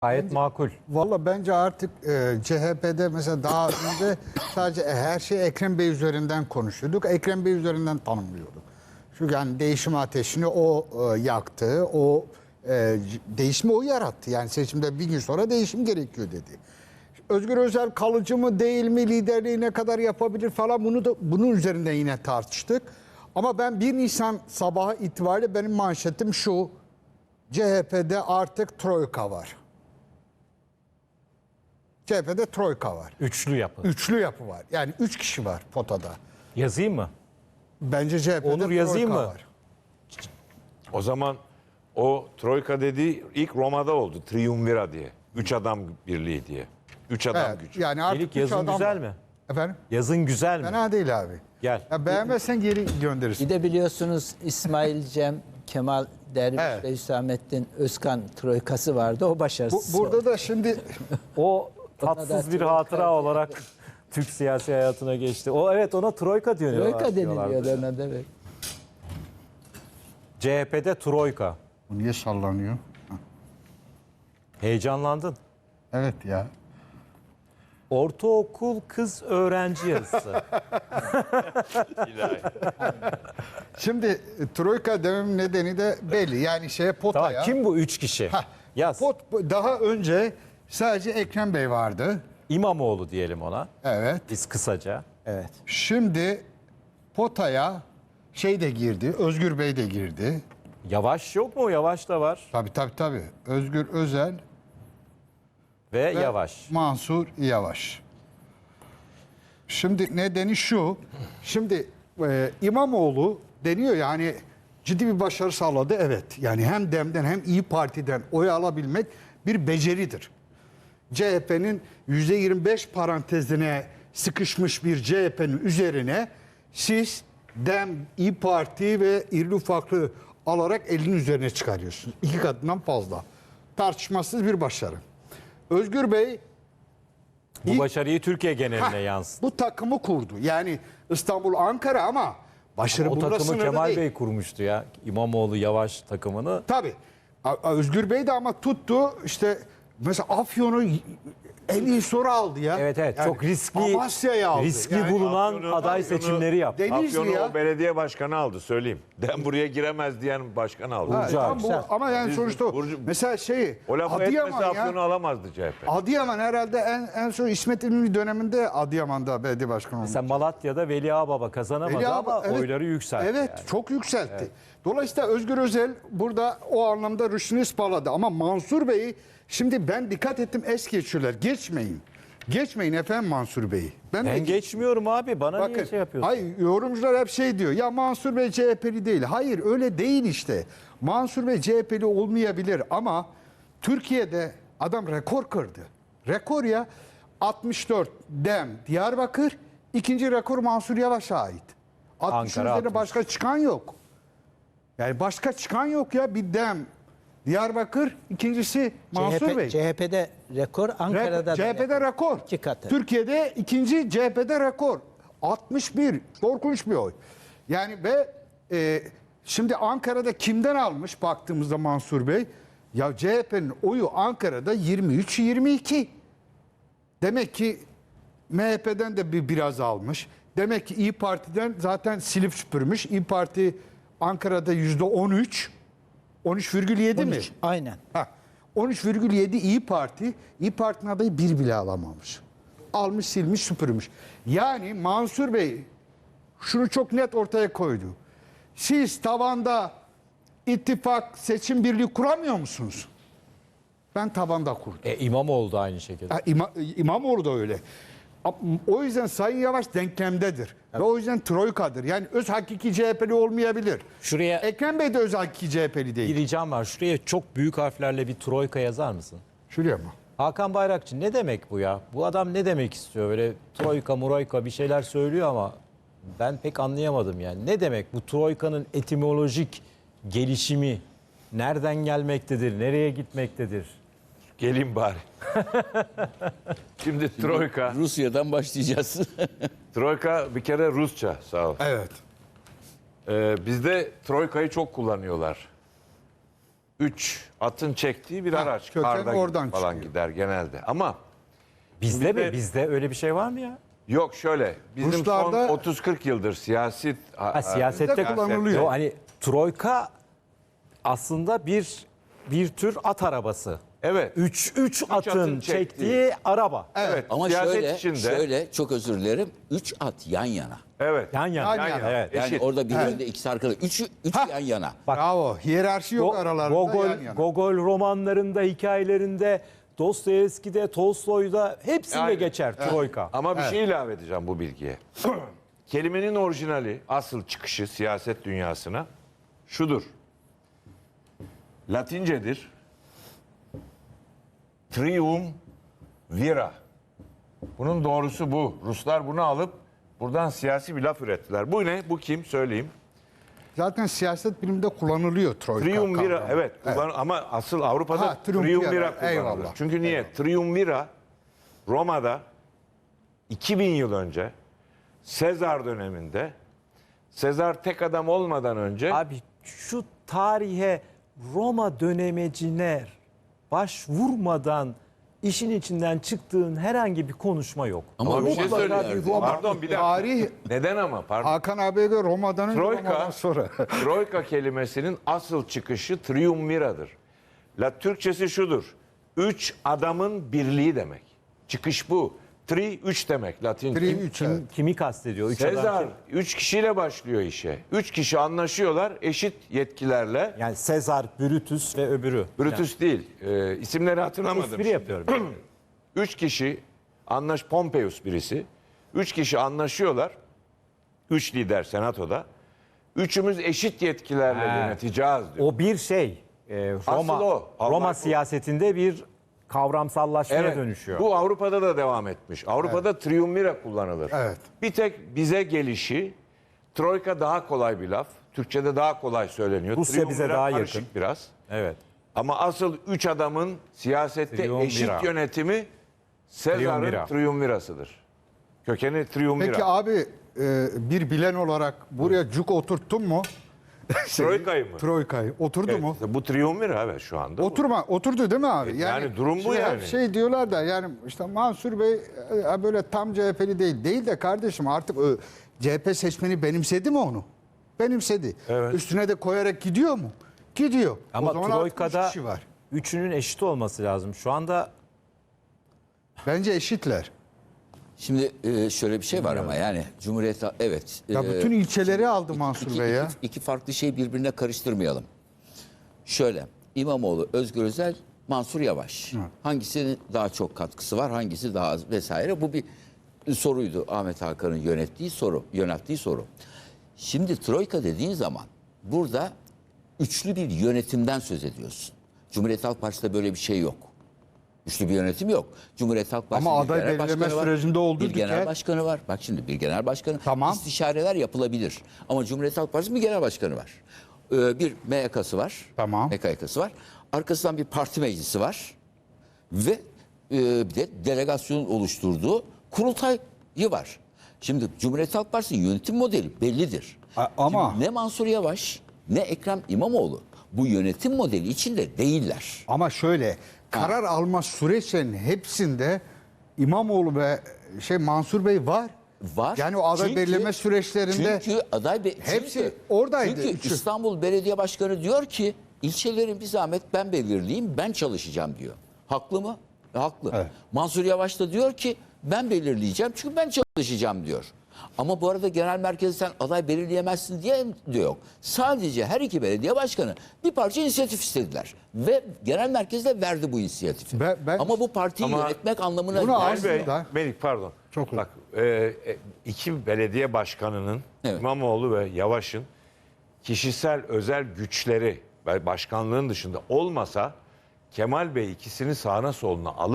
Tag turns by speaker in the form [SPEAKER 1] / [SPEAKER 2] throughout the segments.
[SPEAKER 1] Gayet makul.
[SPEAKER 2] Valla bence artık CHP'de mesela daha önce sadece her şey Ekrem Bey üzerinden konuşuyorduk. Ekrem Bey üzerinden tanımlıyorduk. Çünkü yani değişim ateşini o yaktı. O değişimi o yarattı. Yani seçimde bir gün sonra değişim gerekiyor dedi. Özgür Özel kalıcı mı değil mi, liderliği ne kadar yapabilir falan, bunun üzerinden yine tartıştık. Ama ben 1 Nisan sabahı itibariyle benim manşetim şu: CHP'de artık troika var. CHP'de troika var.
[SPEAKER 1] Üçlü yapı.
[SPEAKER 2] Üçlü yapı var. Yani 3 kişi var potada.
[SPEAKER 1] Yazayım mı?
[SPEAKER 2] Bence CHP'de
[SPEAKER 1] Onur yazayım
[SPEAKER 2] troika
[SPEAKER 1] mı?
[SPEAKER 2] var.
[SPEAKER 3] O zaman o Troika dediği ilk Roma'da oldu. Triumvira diye. 3 adam birliği diye. 3 adam
[SPEAKER 2] Evet,
[SPEAKER 3] gücü.
[SPEAKER 2] yani artık
[SPEAKER 1] Melik,
[SPEAKER 2] üç
[SPEAKER 1] yazın
[SPEAKER 2] adam
[SPEAKER 1] güzel
[SPEAKER 2] var.
[SPEAKER 1] mi?
[SPEAKER 2] Efendim?
[SPEAKER 1] Yazın güzel mi?
[SPEAKER 2] Fena değil abi.
[SPEAKER 1] Gel.
[SPEAKER 2] Ya beğenmezsen geri gönderirsin.
[SPEAKER 4] Bir de biliyorsunuz İsmail Cem, Kemal Derviş
[SPEAKER 2] Evet.
[SPEAKER 4] ve Hüsamettin Özkan troikası vardı. O başarısız.
[SPEAKER 2] Burada da şimdi
[SPEAKER 1] O
[SPEAKER 4] Ona da
[SPEAKER 1] tatsız bir
[SPEAKER 4] troika
[SPEAKER 1] hatıra
[SPEAKER 4] diyor.
[SPEAKER 1] olarak Türk siyasi hayatına geçti. O evet, ona troika diyorlar.
[SPEAKER 4] troika deniliyor ona da. Evet.
[SPEAKER 1] CHP'de troika.
[SPEAKER 2] bu niye sallanıyor?
[SPEAKER 1] Heyecanlandın.
[SPEAKER 2] Evet ya.
[SPEAKER 1] Ortaokul kız öğrenci yazısı.
[SPEAKER 2] Şimdi troika dememin nedeni de belli. Yani
[SPEAKER 1] Tamam,
[SPEAKER 2] potaya.
[SPEAKER 1] kim bu 3 kişi?
[SPEAKER 2] Hah,
[SPEAKER 1] Yaz.
[SPEAKER 2] daha önce sadece Ekrem Bey vardı.
[SPEAKER 1] İmamoğlu diyelim ona.
[SPEAKER 2] Evet.
[SPEAKER 1] Biz kısaca.
[SPEAKER 4] Evet.
[SPEAKER 2] Şimdi potaya şey de girdi. Özgür Bey de girdi.
[SPEAKER 1] Yavaş yok mu? Yavaş da var.
[SPEAKER 2] Tabii. Özgür Özel
[SPEAKER 1] Ve
[SPEAKER 2] ve
[SPEAKER 1] Yavaş.
[SPEAKER 2] Mansur Yavaş. Şimdi nedeni şu. Şimdi İmamoğlu deniyor yani ciddi bir başarı sağladı. Evet. Yani hem DEM'den hem İyi Parti'den oy alabilmek bir beceridir. CHP'nin %25 parantezine sıkışmış bir CHP'nin üzerine siz DEM, İyi Parti ve İrili Ufaklı alarak elinin üzerine çıkarıyorsunuz. 2 katından fazla. Tartışmasız bir başarı. Özgür Bey
[SPEAKER 1] Bu başarıyı Türkiye geneline
[SPEAKER 2] Heh,
[SPEAKER 1] yansıttı.
[SPEAKER 2] bu takımı kurdu. Yani İstanbul, Ankara ama başarı
[SPEAKER 1] O
[SPEAKER 2] bununla
[SPEAKER 1] takımı
[SPEAKER 2] sınırlı
[SPEAKER 1] Kemal
[SPEAKER 2] değil.
[SPEAKER 1] Bey kurmuştu ya. İmamoğlu Yavaş takımını.
[SPEAKER 2] Tabii. Özgür Bey de ama tuttu işte mesela Afyon'u en iyi soru aldı ya.
[SPEAKER 1] Evet,
[SPEAKER 2] Yani
[SPEAKER 1] çok riskli
[SPEAKER 2] Amasya'yı aldı.
[SPEAKER 1] riskli
[SPEAKER 2] Yani
[SPEAKER 1] bulunan
[SPEAKER 3] Afyon'u-
[SPEAKER 1] aday
[SPEAKER 3] Afyon'u-
[SPEAKER 1] seçimleri yaptı.
[SPEAKER 2] Denizli
[SPEAKER 3] Afyon'u
[SPEAKER 2] ya.
[SPEAKER 3] o belediye başkanı aldı söyleyeyim. Den buraya giremez diyen başkan aldı.
[SPEAKER 2] Ha,
[SPEAKER 1] Burcu
[SPEAKER 2] tamam
[SPEAKER 1] abi.
[SPEAKER 2] bu, ama yani
[SPEAKER 3] Biz-
[SPEAKER 2] sonuçta
[SPEAKER 3] Burcu-
[SPEAKER 2] mesela
[SPEAKER 3] O lafı etmese
[SPEAKER 2] Adıyaman
[SPEAKER 3] Afyon'u
[SPEAKER 2] ya.
[SPEAKER 3] alamazdı CHP.
[SPEAKER 2] Adıyaman herhalde en son İsmet İnönü döneminde Adıyaman'da belediye başkanı olmuş.
[SPEAKER 1] Mesela Malatya'da Veli Ağababa kazanamadı
[SPEAKER 2] Veli
[SPEAKER 1] ama
[SPEAKER 2] Ağabey, evet.
[SPEAKER 1] oyları yükseltti.
[SPEAKER 2] Evet,
[SPEAKER 1] yani.
[SPEAKER 2] çok yükseltti. Dolayısıyla Özgür Özel burada o anlamda rüştünü ispaladı. Ama Mansur Bey'i şimdi ben dikkat ettim, es geçiyorlar. Geçmeyin. Geçmeyin efendim Mansur Bey'i.
[SPEAKER 1] Ben geçmiyorum abi. Bana niye
[SPEAKER 2] Bakın,
[SPEAKER 1] şey yapıyorsun?
[SPEAKER 2] hayır, yorumcular hep şey diyor. Ya Mansur Bey CHP'li değil. Hayır, öyle değil işte. Mansur Bey CHP'li olmayabilir ama Türkiye'de adam rekor kırdı. Rekor ya. 64 DEM Diyarbakır. İkinci rekor Mansur Yavaş'a ait. 60'ın
[SPEAKER 1] Ankara
[SPEAKER 2] üzerine
[SPEAKER 1] 60.
[SPEAKER 2] başka çıkan yok. Yani başka çıkan yok ya. Bir DEM Diyarbakır, ikincisi Mansur Bey.
[SPEAKER 4] CHP'de rekor, Ankara'da da
[SPEAKER 2] CHP'de rekor.
[SPEAKER 4] 2 katı.
[SPEAKER 2] Türkiye'de ikinci, CHP'de rekor. 61. Korkunç bir oy. Yani ve şimdi Ankara'da kimden almış baktığımızda Mansur Bey? Ya CHP'nin oyu Ankara'da 23-22. Demek ki MHP'den de biraz almış. Demek ki İyi Parti'den zaten silip süpürmüş. İyi Parti Ankara'da %13. 13,7 mi?
[SPEAKER 4] 13, aynen.
[SPEAKER 2] 13,7 İyi Parti. İyi Parti'nin adayı bir bile alamamış. Almış, silmiş, süpürmüş. Yani Mansur Bey şunu çok net ortaya koydu. Siz tavanda ittifak, seçim birliği kuramıyor musunuz? Ben tabanda kurdum.
[SPEAKER 1] İmamoğlu da aynı şekilde.
[SPEAKER 2] İmamoğlu da öyle. O yüzden Sayın Yavaş denklemdedir. Ve o yüzden troikadır. Yani öz hakiki CHP'li olmayabilir.
[SPEAKER 1] Şuraya
[SPEAKER 2] Ekrem Bey de öz hakiki CHP'li
[SPEAKER 1] bir
[SPEAKER 2] değil.
[SPEAKER 1] ricam var. Şuraya çok büyük harflerle bir troika yazar mısın?
[SPEAKER 2] Şuraya mı?
[SPEAKER 1] Hakan Bayrakçı ne demek bu ya? Bu adam ne demek istiyor? Böyle troika muroika bir şeyler söylüyor ama ben pek anlayamadım yani. Ne demek bu troikanın etimolojik gelişimi nereden gelmektedir? Nereye gitmektedir?
[SPEAKER 3] Gelin bari. Şimdi Troika.
[SPEAKER 5] Rusya'dan başlayacağız.
[SPEAKER 3] Troika bir kere Rusça sağ ol.
[SPEAKER 2] Evet.
[SPEAKER 3] Bizde Troika'yı çok kullanıyorlar. 3 atın çektiği bir
[SPEAKER 2] Ha,
[SPEAKER 3] araç.
[SPEAKER 2] köken
[SPEAKER 3] Karda
[SPEAKER 2] oradan
[SPEAKER 3] falan
[SPEAKER 2] çıkıyor.
[SPEAKER 3] gider genelde. Ama
[SPEAKER 1] Bizde mi?
[SPEAKER 3] Bizde-
[SPEAKER 1] Bizde öyle bir şey var mı ya?
[SPEAKER 3] yok şöyle. Bizim
[SPEAKER 2] Ruslarda-
[SPEAKER 3] son 30-40 yıldır siyasette
[SPEAKER 1] Siyasette
[SPEAKER 2] kullanılıyor.
[SPEAKER 1] O hani troika aslında bir tür at arabası.
[SPEAKER 3] Evet.
[SPEAKER 1] 3
[SPEAKER 3] atın
[SPEAKER 1] atın
[SPEAKER 3] çektiği.
[SPEAKER 1] çektiği araba.
[SPEAKER 3] Evet.
[SPEAKER 5] Ama
[SPEAKER 3] siyaset
[SPEAKER 5] şöyle çok özür dilerim. 3 at yan yana.
[SPEAKER 3] Evet.
[SPEAKER 1] Yan yana.
[SPEAKER 2] Yan yana.
[SPEAKER 1] Evet.
[SPEAKER 5] Yani
[SPEAKER 3] Eşit.
[SPEAKER 5] orada bir önde ikisi arkada. Üç yan yana.
[SPEAKER 2] Bravo. Hiyerarşi yok aralarında, yan yana.
[SPEAKER 1] Gogol romanlarında, hikayelerinde, Dostoyevski'de, Tolstoy'da hepsinde
[SPEAKER 3] Aynen.
[SPEAKER 1] geçer troika.
[SPEAKER 3] Ama bir şey ilave edeceğim bu bilgiye. Kelimenin orijinali, asıl çıkışı siyaset dünyasına şudur. Latincedir. Triumvira. Bunun doğrusu bu. Ruslar bunu alıp buradan siyasi bir laf ürettiler. Bu ne? Bu kim? Söyleyeyim.
[SPEAKER 2] Zaten siyaset biliminde kullanılıyor troika
[SPEAKER 3] Triumvira.
[SPEAKER 2] kavramı.
[SPEAKER 3] Evet. Ama asıl Avrupa'da
[SPEAKER 2] Ha, triumvira.
[SPEAKER 3] triumvira kullanılır.
[SPEAKER 2] Eyvallah.
[SPEAKER 3] Çünkü niye? Triumvira Roma'da 2000 yıl önce Sezar döneminde Sezar tek adam olmadan önce
[SPEAKER 1] Abi şu tarihe Roma dönemecine başvurmadan işin içinden çıktığın herhangi bir konuşma yok.
[SPEAKER 3] ama bir şey
[SPEAKER 1] mutlaka
[SPEAKER 3] söyleyeyim.
[SPEAKER 1] bir Roma-
[SPEAKER 3] Pardon bir dakika.
[SPEAKER 2] Tarih
[SPEAKER 3] Neden ama? Pardon.
[SPEAKER 2] Hakan abiye göre Roma'dan önce Roma'dan
[SPEAKER 3] Troika,
[SPEAKER 2] sonra.
[SPEAKER 3] Troika kelimesinin asıl çıkışı triumviradır. La Türkçesi şudur. 3 adamın birliği demek. Çıkış bu. Tri 3 demek Latince.
[SPEAKER 2] Tri 3.
[SPEAKER 1] Kimi kastediyor? Üç adam
[SPEAKER 3] Sezar
[SPEAKER 1] kim?
[SPEAKER 3] 3 kişiyle başlıyor işe. 3 kişi anlaşıyorlar eşit yetkilerle.
[SPEAKER 1] Yani Sezar, Brutus ve öbürü.
[SPEAKER 3] Brutus değil. İsimleri hatırlamadım.
[SPEAKER 1] Espri
[SPEAKER 3] şimdi.
[SPEAKER 1] yapıyorum.
[SPEAKER 3] 3 kişi Pompeius birisi. 3 kişi anlaşıyorlar. 3 lider senatoda. Üçümüz eşit yetkilerle yöneteceğiz diyor.
[SPEAKER 1] O bir şey. Roma,
[SPEAKER 3] Asıl o. Allah
[SPEAKER 1] Roma
[SPEAKER 3] korusun.
[SPEAKER 1] siyasetinde bir kavramsallaşmaya dönüşüyor.
[SPEAKER 3] Bu Avrupa'da da devam etmiş. Avrupa'da triumvira kullanılır.
[SPEAKER 2] Evet.
[SPEAKER 3] Bir tek bize gelişi troika daha kolay bir laf. Türkçe'de daha kolay söyleniyor.
[SPEAKER 1] Rusya bize
[SPEAKER 3] Triumvira
[SPEAKER 1] daha
[SPEAKER 3] karışık
[SPEAKER 1] yakın.
[SPEAKER 3] biraz.
[SPEAKER 1] Evet.
[SPEAKER 3] Ama asıl 3 adamın siyasette
[SPEAKER 1] Triumvira.
[SPEAKER 3] eşit yönetimi Sezar'ın
[SPEAKER 1] Triumvira.
[SPEAKER 3] triumvirasıdır. Kökeni triumvira.
[SPEAKER 2] Peki abi bir bilen olarak buraya cuk oturttun mu?
[SPEAKER 3] Troika'yı mı?
[SPEAKER 2] Troika'yı. Oturdu mu?
[SPEAKER 3] Evet, bu triumvira evet şu anda. bu.
[SPEAKER 2] Oturdu değil mi abi?
[SPEAKER 3] Yani durum bu
[SPEAKER 2] şey,
[SPEAKER 3] yani.
[SPEAKER 2] Şey diyorlar da yani işte Mansur Bey böyle tam CHP'li değil. Değil de kardeşim artık CHP seçmeni benimsedi mi onu? Benimsedi.
[SPEAKER 3] Evet.
[SPEAKER 2] Üstüne de koyarak gidiyor mu? Gidiyor.
[SPEAKER 1] Ama
[SPEAKER 2] o zaman artık üç
[SPEAKER 1] Troika'da
[SPEAKER 2] kişi var.
[SPEAKER 1] üçünün eşit olması lazım. Şu anda
[SPEAKER 2] Bence eşitler.
[SPEAKER 5] Şimdi şöyle bir şey var ama yani Cumhuriyet evet.
[SPEAKER 2] Ya bütün ilçeleri aldı Mansur Bey ya.
[SPEAKER 5] İki farklı şeyi birbirine karıştırmayalım. Şöyle İmamoğlu, Özgür Özel, Mansur Yavaş. Hangisinin daha çok katkısı var, hangisi daha az vesaire. Bu bir soruydu Ahmet Hakan'ın yönelttiği soru. Şimdi Troika dediğin zaman burada üçlü bir yönetimden söz ediyorsun. Cumhuriyet Halk Partisi'de böyle bir şey yok. Üçlü bir yönetim yok. Cumhuriyet Halk Partisi
[SPEAKER 2] Ama
[SPEAKER 5] bir
[SPEAKER 2] aday
[SPEAKER 5] genel
[SPEAKER 2] belirleme
[SPEAKER 5] başkanı var,
[SPEAKER 2] sürecinde oldu
[SPEAKER 5] bir genel
[SPEAKER 2] Diker.
[SPEAKER 5] başkanı var. Bak şimdi bir genel başkanı.
[SPEAKER 2] Tamam.
[SPEAKER 5] İstişareler yapılabilir. Ama Cumhuriyet Halk Partisi'nin bir genel başkanı var. Bir MYK'sı var.
[SPEAKER 2] Tamam.
[SPEAKER 5] MKYK'sı var. Arkasından bir parti meclisi var. Ve bir de delegasyonun oluşturduğu kurultayı var. Şimdi Cumhuriyet Halk Partisi'nin yönetim modeli bellidir.
[SPEAKER 2] Ama-
[SPEAKER 5] Şimdi ne Mansur Yavaş ne Ekrem İmamoğlu bu yönetim modeli içinde değiller.
[SPEAKER 2] Ama şöyle karar alma süreçlerinin hepsinde İmamoğlu ve Mansur Bey var.
[SPEAKER 5] Var.
[SPEAKER 2] Yani o aday belirleme süreçlerinde
[SPEAKER 5] Çünkü
[SPEAKER 2] hepsi oradaydı.
[SPEAKER 5] Çünkü
[SPEAKER 2] Üçü.
[SPEAKER 5] İstanbul Belediye Başkanı diyor ki ilçelerin bir zahmet ben belirleyeyim, ben çalışacağım diyor. Haklı mı? Haklı.
[SPEAKER 2] Evet.
[SPEAKER 5] Mansur Yavaş da diyor ki ben belirleyeceğim çünkü ben çalışacağım diyor. Ama bu arada genel merkezde sen aday belirleyemezsin diye de yok. Sadece her iki belediye başkanı bir parça inisiyatif istediler. Ve genel merkezde verdi bu inisiyatifi.
[SPEAKER 2] Ben-
[SPEAKER 5] Ama bu partiyi
[SPEAKER 3] Ama
[SPEAKER 5] yönetmek anlamına
[SPEAKER 2] bunu
[SPEAKER 5] gelmez.
[SPEAKER 3] Bey,
[SPEAKER 2] aslında-
[SPEAKER 3] Melik pardon.
[SPEAKER 2] Çok
[SPEAKER 3] Bak iki belediye başkanının
[SPEAKER 5] Evet.
[SPEAKER 3] İmamoğlu ve Yavaş'ın kişisel özel güçleri başkanlığın dışında olmasa Kemal Bey ikisini sağına soluna alıp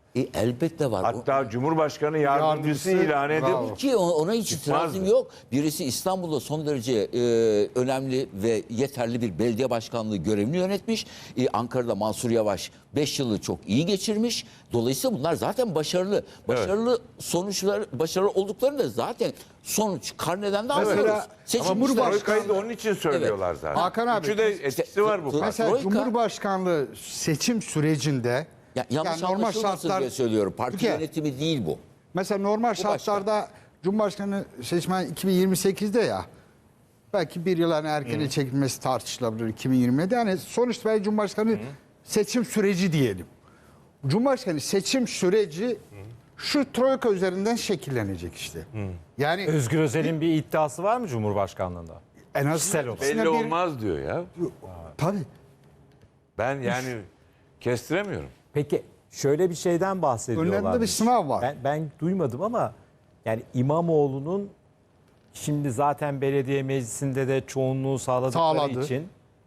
[SPEAKER 5] Elbette var.
[SPEAKER 3] Hatta Cumhurbaşkanı yardımcısı
[SPEAKER 2] Yardımcısı,
[SPEAKER 3] ilan edip
[SPEAKER 2] bravo.
[SPEAKER 5] Ki ona hiç itirazım
[SPEAKER 3] Çıkmazdı.
[SPEAKER 5] yok. Birisi İstanbul'da son derece önemli ve yeterli bir belediye başkanlığı görevini yönetmiş. Ankara'da Mansur Yavaş 5 yılı çok iyi geçirmiş. Dolayısıyla bunlar zaten başarılı. Başarılı sonuçlar, başarılı olduklarını da zaten sonuç karneden de
[SPEAKER 2] Mesela-
[SPEAKER 5] anlıyoruz.
[SPEAKER 3] ama
[SPEAKER 5] Seçilmişler.
[SPEAKER 3] Troika'yı da onun için söylüyorlar zaten.
[SPEAKER 2] Hakan abi,
[SPEAKER 3] Üçü de etkisi var bu.
[SPEAKER 2] Mesela
[SPEAKER 5] Troika-
[SPEAKER 2] Cumhurbaşkanlığı seçim sürecinde
[SPEAKER 5] Yanlış
[SPEAKER 2] yani
[SPEAKER 5] anlaşılmasın diye söylüyorum. Parti
[SPEAKER 2] Türkiye-
[SPEAKER 5] yönetimi değil bu.
[SPEAKER 2] Mesela normal
[SPEAKER 5] başka.
[SPEAKER 2] şartlarda Cumhurbaşkanı seçmen 2028'de ya. Belki bir yıl erkene çekilmesi tartışılabilir 2020'de. Yani sonuçta belki Cumhurbaşkanı seçim süreci diyelim. Cumhurbaşkanı seçim süreci şu troika üzerinden şekillenecek işte. Yani
[SPEAKER 1] Özgür Özel'in bir iddiası var mı Cumhurbaşkanlığında?
[SPEAKER 2] en azından
[SPEAKER 1] kişisel olarak.
[SPEAKER 2] ikisine
[SPEAKER 3] Belli
[SPEAKER 2] bir-
[SPEAKER 3] olmaz diyor ya.
[SPEAKER 2] Tabii.
[SPEAKER 3] Ben yani kestiremiyorum.
[SPEAKER 1] Peki şöyle bir şeyden bahsediyorlar.
[SPEAKER 2] Önlerinde bir sınav var.
[SPEAKER 1] Ben duymadım ama yani İmamoğlu'nun şimdi zaten belediye meclisinde de çoğunluğu sağladıkları
[SPEAKER 2] Sağladı.
[SPEAKER 1] için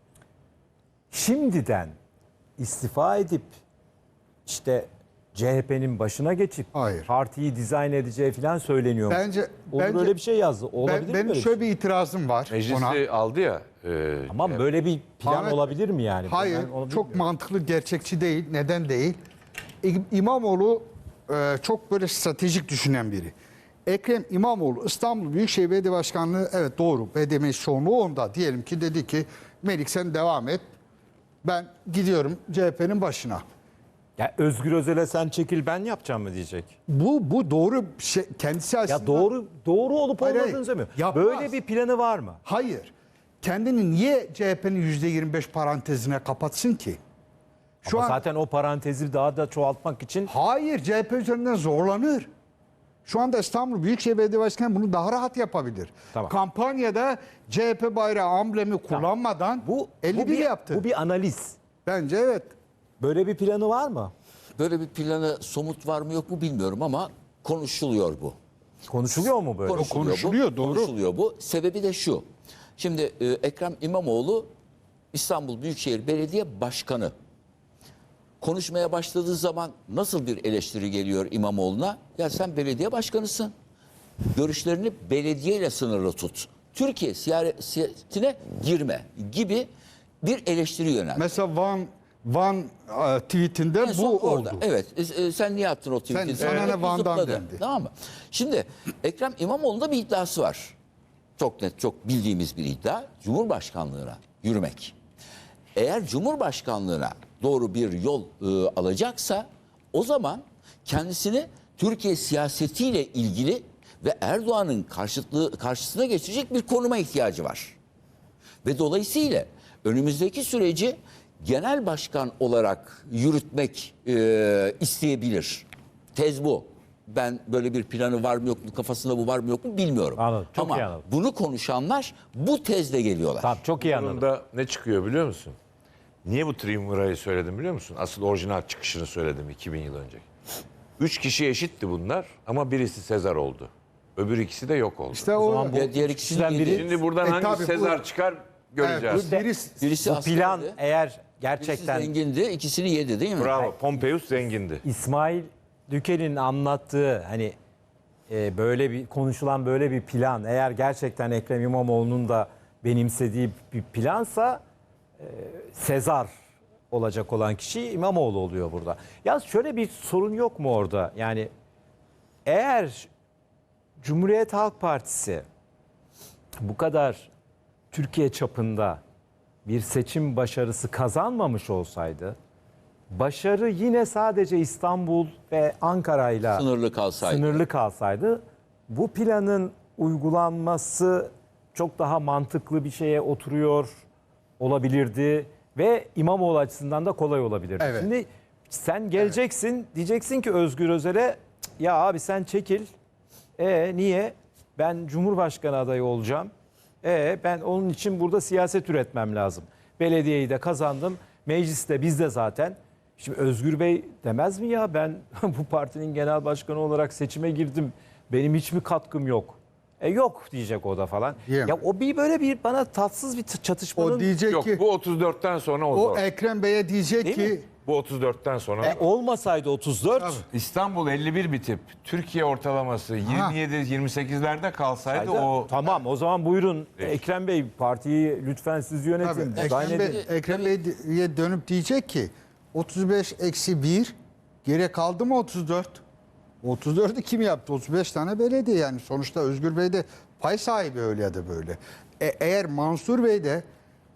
[SPEAKER 1] şimdiden istifa edip işte CHP'nin başına geçip
[SPEAKER 2] Hayır.
[SPEAKER 1] partiyi dizayn edeceği falan söyleniyor.
[SPEAKER 2] Bence-
[SPEAKER 1] öyle bir şey yazdı. Olabilir mi
[SPEAKER 2] Benim
[SPEAKER 1] böyle bir
[SPEAKER 2] şöyle
[SPEAKER 1] şey?
[SPEAKER 2] bir itirazım var
[SPEAKER 3] Meclisi
[SPEAKER 2] ona.
[SPEAKER 3] aldı ya.
[SPEAKER 1] Tamam böyle bir plan
[SPEAKER 2] Ahmet-
[SPEAKER 1] olabilir mi yani?
[SPEAKER 2] Hayır,
[SPEAKER 1] Ben onu
[SPEAKER 2] çok
[SPEAKER 1] bilmiyorum.
[SPEAKER 2] mantıklı, gerçekçi değil. Neden değil? İmamoğlu çok böyle stratejik düşünen biri. Ekrem İmamoğlu İstanbul Büyükşehir Belediye Başkanlığı, evet doğru, belediye meclis çoğunluğu onda. Diyelim ki dedi ki Melik sen devam et. Ben gidiyorum CHP'nin başına.
[SPEAKER 1] Ya Özgür Özel'e sen çekil ben yapacağım mı diyecek.
[SPEAKER 2] Bu doğru şey, kendisi açısından.
[SPEAKER 1] Ya doğru olup
[SPEAKER 2] Hayır,
[SPEAKER 1] olmadığını
[SPEAKER 2] hayır.
[SPEAKER 1] söylemiyor.
[SPEAKER 2] Yapmaz.
[SPEAKER 1] Böyle bir planı var mı?
[SPEAKER 2] Hayır. Kendini niye CHP'nin %25 parantezine kapatsın ki? Şu
[SPEAKER 1] Ama
[SPEAKER 2] an
[SPEAKER 1] zaten o parantezi daha da çoğaltmak için
[SPEAKER 2] hayır, CHP üzerinden zorlanır. Şu anda İstanbul Büyükşehir Belediye Başkanı bunu daha rahat yapabilir.
[SPEAKER 1] Tamam.
[SPEAKER 2] Kampanyada CHP bayrağı amblemi kullanmadan bu 51 yaptı.
[SPEAKER 1] Bu bir analiz.
[SPEAKER 2] Bence evet.
[SPEAKER 1] Böyle bir planı var mı?
[SPEAKER 5] Böyle bir planı somut var mı yok mu bilmiyorum ama konuşuluyor bu.
[SPEAKER 1] Konuşuluyor mu böyle?
[SPEAKER 2] konuşuluyor,
[SPEAKER 5] bu.
[SPEAKER 2] doğru.
[SPEAKER 5] Konuşuluyor bu. Sebebi de şu. Şimdi Ekrem İmamoğlu İstanbul Büyükşehir Belediye Başkanı. Konuşmaya başladığı zaman nasıl bir eleştiri geliyor İmamoğlu'na? Ya sen belediye başkanısın. Görüşlerini belediyeyle sınırlı tut. Türkiye siyasetine girme gibi bir eleştiri yöneldi.
[SPEAKER 2] Mesela Van tweetinde
[SPEAKER 5] En son
[SPEAKER 2] bu
[SPEAKER 5] orada.
[SPEAKER 2] oldu.
[SPEAKER 5] Evet. Sen niye attın o tweet'i?
[SPEAKER 2] sana ne
[SPEAKER 5] Evet,
[SPEAKER 2] Van'dan
[SPEAKER 5] zıpladı.
[SPEAKER 2] dendi.
[SPEAKER 5] Tamam mı? Şimdi Ekrem İmamoğlu'nda bir iddiası var. Çok net, çok bildiğimiz bir iddia. Cumhurbaşkanlığına yürümek. Eğer Cumhurbaşkanlığına doğru bir yol alacaksa o zaman kendisini Türkiye siyasetiyle ilgili ve Erdoğan'ın karşısına geçecek bir konuma ihtiyacı var. Ve dolayısıyla önümüzdeki süreci genel başkan olarak yürütmek isteyebilir. Tez bu. Ben böyle bir planı var mı yok mu, kafasında bu var mı yok mu bilmiyorum.
[SPEAKER 1] Anladım, çok
[SPEAKER 5] Ama
[SPEAKER 1] iyi anladım.
[SPEAKER 5] bunu konuşanlar bu tezle geliyorlar.
[SPEAKER 1] Tamam çok iyi anladım.
[SPEAKER 3] Bunun da ne çıkıyor biliyor musun? Niye bu triumvirayı söyledim biliyor musun? Asıl orijinal çıkışını söyledim 2000 yıl önce. 3 kişi eşitti bunlar ama birisi Sezar oldu. Öbür ikisi de yok oldu.
[SPEAKER 2] İşte o
[SPEAKER 1] zaman bu
[SPEAKER 5] Diğer ikisinden
[SPEAKER 1] kişiden biri-
[SPEAKER 3] Şimdi buradan
[SPEAKER 2] tabii
[SPEAKER 3] hangi
[SPEAKER 2] bu-
[SPEAKER 3] Sezar çıkar göreceğiz.
[SPEAKER 5] Birisi
[SPEAKER 1] Bu plan
[SPEAKER 5] askerdi,
[SPEAKER 1] eğer
[SPEAKER 5] birisi
[SPEAKER 1] gerçekten
[SPEAKER 5] zengindi, ikisini yedi değil mi?
[SPEAKER 3] Bravo. Pompeius zengindi.
[SPEAKER 1] İsmail Dükel'in anlattığı hani böyle bir konuşulan böyle bir plan eğer gerçekten Ekrem İmamoğlu'nun da benimsediği bir plansa Sezar olacak olan kişi İmamoğlu oluyor burada. Ya şöyle bir sorun yok mu orada? Yani eğer Cumhuriyet Halk Partisi bu kadar Türkiye çapında bir seçim başarısı kazanmamış olsaydı başarı yine sadece İstanbul ve Ankara'yla
[SPEAKER 5] Sınırlı kalsaydı.
[SPEAKER 1] kalsaydı bu planın uygulanması çok daha mantıklı bir şeye oturuyor olabilirdi ve İmamoğlu açısından da kolay olabilirdi.
[SPEAKER 2] Evet.
[SPEAKER 1] Şimdi sen geleceksin diyeceksin ki Özgür Özel'e "Cık, ya abi sen çekil. Niye? Ben Cumhurbaşkanı adayı olacağım. Ben onun için burada siyaset üretmem lazım. Belediyeyi de kazandım. Mecliste bizde zaten. Şimdi Özgür Bey demez mi ya ben bu partinin genel başkanı olarak seçime girdim. Benim hiç mi katkım yok? Yok diyecek o da falan.
[SPEAKER 2] Diyemem.
[SPEAKER 1] Ya o bir böyle bir bana tatsız bir çatışmanın
[SPEAKER 2] O diyecek
[SPEAKER 3] Yok
[SPEAKER 2] ki
[SPEAKER 3] bu 34'ten sonra o
[SPEAKER 2] o
[SPEAKER 3] zor.
[SPEAKER 2] Ekrem Bey'e diyecek
[SPEAKER 1] Değil
[SPEAKER 2] ki
[SPEAKER 1] mi?
[SPEAKER 3] Bu 34'ten sonra.
[SPEAKER 1] Olmasaydı 34
[SPEAKER 3] İstanbul 51 bitip Türkiye ortalaması 27-28'lerde kalsaydı o
[SPEAKER 1] tamam, o zaman buyurun Ekrem Bey, partiyi lütfen siz yönetin.
[SPEAKER 2] Tabii,
[SPEAKER 1] Dizayn edin.
[SPEAKER 2] Ekrem Bey'e dönüp diyecek ki 35-1 geriye kaldı mı 34? 34'ü kim yaptı? 35 tane belediye yani. Sonuçta Özgür Bey de pay sahibi öyle ya da böyle. Eğer Mansur Bey de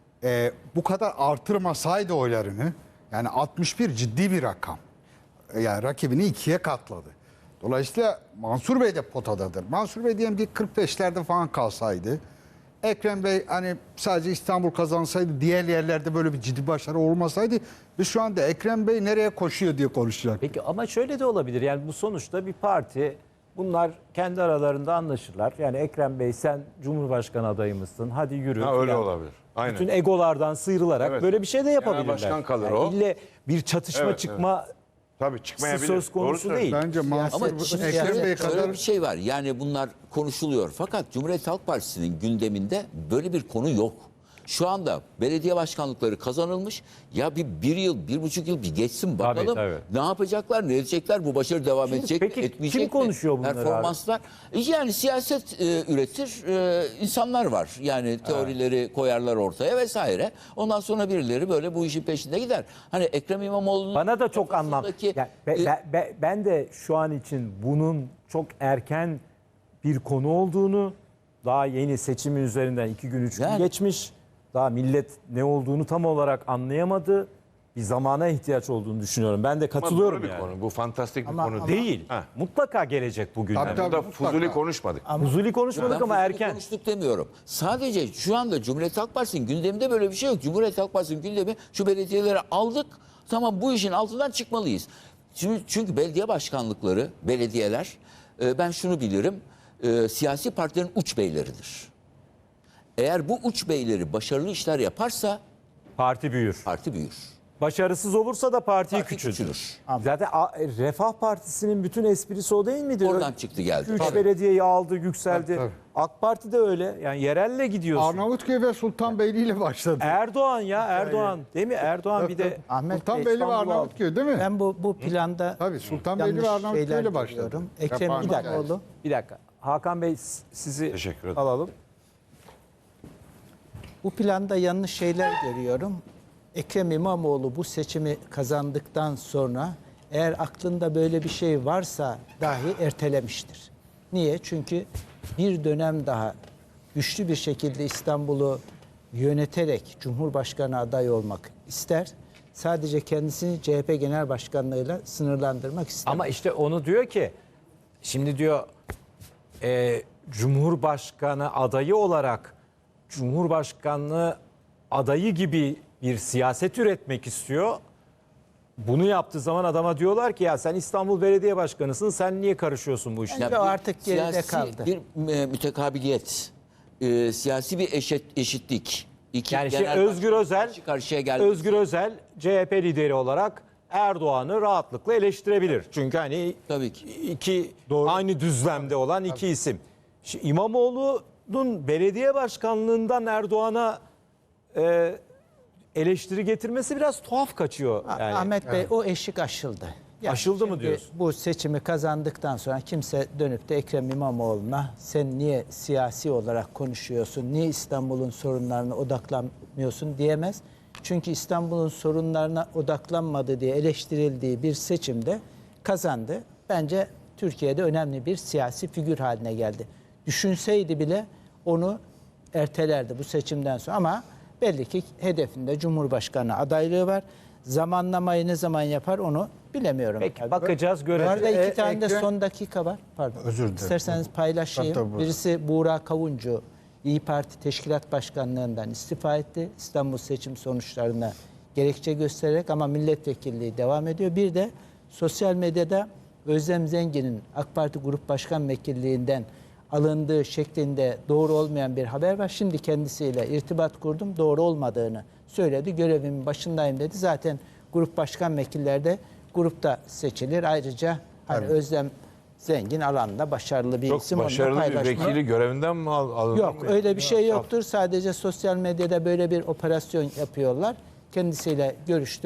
[SPEAKER 2] bu kadar artırmasaydı oylarını, yani 61 ciddi bir rakam. Yani rakibini 2'ye katladı. Dolayısıyla Mansur Bey de potadadır. Mansur Bey diyelim ki 45'lerde falan kalsaydı, Ekrem Bey hani sadece İstanbul kazansaydı, diğer yerlerde böyle bir ciddi başarı olmasaydı, biz şu anda Ekrem Bey nereye koşuyor diye konuşacak.
[SPEAKER 1] Peki ama şöyle de olabilir. Yani bu sonuçta bir parti. Bunlar kendi aralarında anlaşırlar. Yani Ekrem Bey sen Cumhurbaşkanı adayı mısın? Hadi yürü.
[SPEAKER 3] ha, öyle
[SPEAKER 1] falan.
[SPEAKER 3] olabilir. Aynen.
[SPEAKER 1] Bütün egolardan sıyrılarak
[SPEAKER 3] Evet.
[SPEAKER 1] böyle bir şey de yapabilirler.
[SPEAKER 3] başkan kalır o.
[SPEAKER 1] İlle bir çatışma
[SPEAKER 3] Evet,
[SPEAKER 1] çıkma
[SPEAKER 3] Tabii çıkmayabilir.
[SPEAKER 1] söz konusu
[SPEAKER 3] Doğru söylüyorsun.
[SPEAKER 1] değil.
[SPEAKER 2] Bence Mansur
[SPEAKER 5] Ama şimdi
[SPEAKER 2] Ekrem Bey
[SPEAKER 5] şöyle
[SPEAKER 2] kadar
[SPEAKER 5] bir şey var. Yani bunlar konuşuluyor. Fakat Cumhuriyet Halk Partisi'nin gündeminde böyle bir konu yok. Şu anda belediye başkanlıkları kazanılmış. Ya bir yıl, 1,5 yıl bir geçsin bakalım.
[SPEAKER 1] tabii.
[SPEAKER 5] Ne yapacaklar, ne edecekler? Bu başarı devam edecek mi,
[SPEAKER 1] peki
[SPEAKER 5] etmeyecek
[SPEAKER 1] kim konuşuyor
[SPEAKER 5] mi?
[SPEAKER 1] bunları abi?
[SPEAKER 5] Performanslar. Yani siyaset üretir insanlar var. Yani teorileri koyarlar ortaya vesaire. Ondan sonra birileri böyle bu işin peşinde gider. Hani Ekrem İmamoğlu'nun
[SPEAKER 1] Bana da çok anlam.
[SPEAKER 5] kafasındaki,
[SPEAKER 1] Yani ben de şu an için bunun çok erken bir konu olduğunu, daha yeni seçimin üzerinden 2 gün 3 gün
[SPEAKER 5] Yani-
[SPEAKER 1] geçmiş. Daha millet ne olduğunu tam olarak anlayamadı. Bir zamana ihtiyaç olduğunu düşünüyorum. Ben de
[SPEAKER 3] Ama
[SPEAKER 1] katılıyorum
[SPEAKER 3] doğru bir
[SPEAKER 1] yani.
[SPEAKER 3] konu. Bu fantastik bir
[SPEAKER 4] Ama-
[SPEAKER 3] konu
[SPEAKER 4] ama-
[SPEAKER 3] değil.
[SPEAKER 1] Değil.
[SPEAKER 3] Ha.
[SPEAKER 1] Mutlaka gelecek bugün.
[SPEAKER 2] Tabii, tabii.
[SPEAKER 3] Burada
[SPEAKER 2] mutlaka.
[SPEAKER 3] fuzuli konuşmadık.
[SPEAKER 1] Huzuli konuşmadık
[SPEAKER 5] Ben
[SPEAKER 1] ama
[SPEAKER 5] fuzuli
[SPEAKER 1] erken.
[SPEAKER 5] konuştuk demiyorum. Sadece şu anda Cumhuriyet Halk Partisi'nin gündeminde böyle bir şey yok. Cumhuriyet Halk Partisi'nin gündemi şu belediyeleri aldık. Tamam bu işin altından çıkmalıyız. Çünkü belediye başkanlıkları, belediyeler ben şunu bilirim. Siyasi partilerin uç beyleridir. Eğer bu uç beyleri başarılı işler yaparsa
[SPEAKER 1] Parti büyür.
[SPEAKER 5] parti büyür.
[SPEAKER 1] Başarısız olursa da partiyi
[SPEAKER 5] Parti
[SPEAKER 1] küçültür.
[SPEAKER 5] küçülür.
[SPEAKER 1] Zaten Refah Partisi'nin bütün esprisi o değil midir?
[SPEAKER 5] Oradan çıktı geldi.
[SPEAKER 1] 3
[SPEAKER 5] Tabii.
[SPEAKER 1] belediyeyi aldı, yükseldi.
[SPEAKER 2] Tabii.
[SPEAKER 1] AK Parti de öyle. Yani yerelle gidiyorsun.
[SPEAKER 2] Arnavutköy ve Sultanbeyli ile başladı.
[SPEAKER 1] Erdoğan ya Erdoğan. Değil mi? Erdoğan bir de
[SPEAKER 4] Ahmet Bey,
[SPEAKER 2] Sultanbeyli ve
[SPEAKER 1] İstanbul'u
[SPEAKER 2] Arnavutköy değil mi?
[SPEAKER 4] ben bu planda
[SPEAKER 2] Tabii Sultanbeyli ve
[SPEAKER 4] yanlış
[SPEAKER 2] Arnavutköy
[SPEAKER 4] şeyler
[SPEAKER 2] ile başladı.
[SPEAKER 4] görüyorum. Ekrem
[SPEAKER 2] Yapan-
[SPEAKER 4] İmamoğlu
[SPEAKER 1] bir dakika. Hakan Bey sizi
[SPEAKER 3] Teşekkür ederim.
[SPEAKER 1] alalım.
[SPEAKER 4] bu planda yanlış şeyler görüyorum. Ekrem İmamoğlu bu seçimi kazandıktan sonra eğer aklında böyle bir şey varsa dahi ertelemiştir. Niye? Çünkü bir dönem daha güçlü bir şekilde İstanbul'u yöneterek Cumhurbaşkanı adayı olmak ister. Sadece kendisini CHP Genel Başkanlığı'yla sınırlandırmak istemez.
[SPEAKER 1] Ama işte onu diyor ki şimdi diyor Cumhurbaşkanı adayı olarak Cumhurbaşkanlığı adayı gibi bir siyaset üretmek istiyor. Bunu yaptığı zaman adama diyorlar ki ya sen İstanbul Belediye Başkanısın, sen niye karışıyorsun bu işe?
[SPEAKER 4] Bence o artık geride
[SPEAKER 5] siyasi
[SPEAKER 4] kaldı.
[SPEAKER 5] Bir mütekabiliyet, siyasi bir eşitlik. İki
[SPEAKER 1] Yani işte
[SPEAKER 5] genel
[SPEAKER 1] Özgür
[SPEAKER 5] başkan
[SPEAKER 1] Özel,
[SPEAKER 5] karşı karşıya geldi.
[SPEAKER 1] Özgür Özel CHP lideri olarak Erdoğan'ı rahatlıkla eleştirebilir. Çünkü hani
[SPEAKER 5] Tabii ki.
[SPEAKER 1] iki aynı düzlemde olan iki isim. Şimdi İmamoğlu'nun belediye başkanlığından Erdoğan'a eleştiri getirmesi biraz tuhaf kaçıyor. Yani.
[SPEAKER 4] Ahmet Bey o eşik aşıldı.
[SPEAKER 1] Aşıldı mı
[SPEAKER 4] şimdi
[SPEAKER 1] diyorsun?
[SPEAKER 4] Bu seçimi kazandıktan sonra kimse dönüp de Ekrem İmamoğlu'na sen niye siyasi olarak konuşuyorsun, niye İstanbul'un sorunlarına odaklanmıyorsun diyemez. Çünkü İstanbul'un sorunlarına odaklanmadı diye eleştirildiği bir seçimde kazandı. Bence Türkiye'de önemli bir siyasi figür haline geldi. Düşünseydi bile onu ertelerdi bu seçimden sonra ama belli ki hedefinde Cumhurbaşkanı adaylığı var. Zamanlamayı ne zaman yapar onu bilemiyorum.
[SPEAKER 1] Peki
[SPEAKER 4] Tabii.
[SPEAKER 1] bakacağız,
[SPEAKER 4] Bu
[SPEAKER 1] göreceğiz.
[SPEAKER 4] arada iki tane de
[SPEAKER 2] Ekrem-
[SPEAKER 4] son dakika var. Pardon.
[SPEAKER 2] Özür dilerim.
[SPEAKER 4] İsterseniz paylaşayım.
[SPEAKER 2] Tabii, tabii.
[SPEAKER 4] Birisi Buğra Kavuncu, İyi Parti Teşkilat Başkanlığından istifa etti. İstanbul seçim sonuçlarına gerekçe göstererek ama milletvekilliği devam ediyor. Bir de sosyal medyada Özlem Zengin'in AK Parti Grup Başkan Vekilliğinden alındığı şeklinde doğru olmayan bir haber var. Şimdi kendisiyle irtibat kurdum. Doğru olmadığını söyledi. Görevimin başındayım dedi. Zaten grup başkan vekilleri de grupta seçilir. Ayrıca hani Özlem Zengin alanda başarılı bir
[SPEAKER 3] Çok
[SPEAKER 4] isim. Onunla
[SPEAKER 3] başarılı bir
[SPEAKER 4] paylaşma.
[SPEAKER 3] vekili görevinden mi alındı?
[SPEAKER 4] Yok öyle bir şey yoktur. Sadece sosyal medyada böyle bir operasyon yapıyorlar. Kendisiyle görüştüm.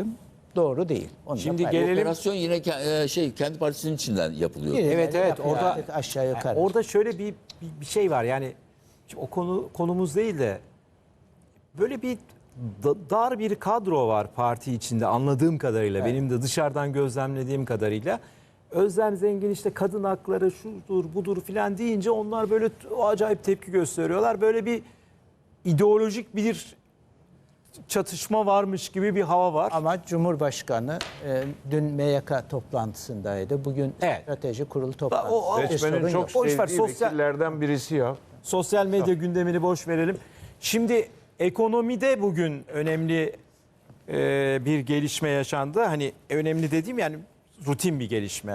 [SPEAKER 4] doğru değil. Onu da
[SPEAKER 1] Şimdi
[SPEAKER 4] paylaşıyorum.
[SPEAKER 1] gelelim-
[SPEAKER 5] Operasyon yine kendi partisinin içinden yapılıyor.
[SPEAKER 4] Birileri
[SPEAKER 1] Evet,
[SPEAKER 4] yapıyor
[SPEAKER 1] orada
[SPEAKER 4] artık aşağı yukarı.
[SPEAKER 1] orada şöyle bir şey var. Yani şimdi o konumuz değil de böyle bir dar bir kadro var parti içinde anladığım kadarıyla. Benim de dışarıdan gözlemlediğim kadarıyla. Özlem Zengin işte kadın hakları şudur budur filan deyince onlar böyle acayip tepki gösteriyorlar. Böyle bir ideolojik bir çatışma varmış gibi bir hava var.
[SPEAKER 4] Ama Cumhurbaşkanı dün MYK toplantısındaydı. Bugün
[SPEAKER 1] Evet.
[SPEAKER 4] strateji kurulu toplantısı.
[SPEAKER 1] O-
[SPEAKER 4] Bir sorun
[SPEAKER 3] Seçmenin
[SPEAKER 4] yok.
[SPEAKER 3] çok
[SPEAKER 1] Boş ver,
[SPEAKER 3] sevdiği
[SPEAKER 1] sosyal-
[SPEAKER 3] vekillerden birisi ya.
[SPEAKER 1] Sosyal medya gündemini boş verelim. Şimdi ekonomide bugün önemli bir gelişme yaşandı. Hani önemli dediğim yani rutin bir gelişme.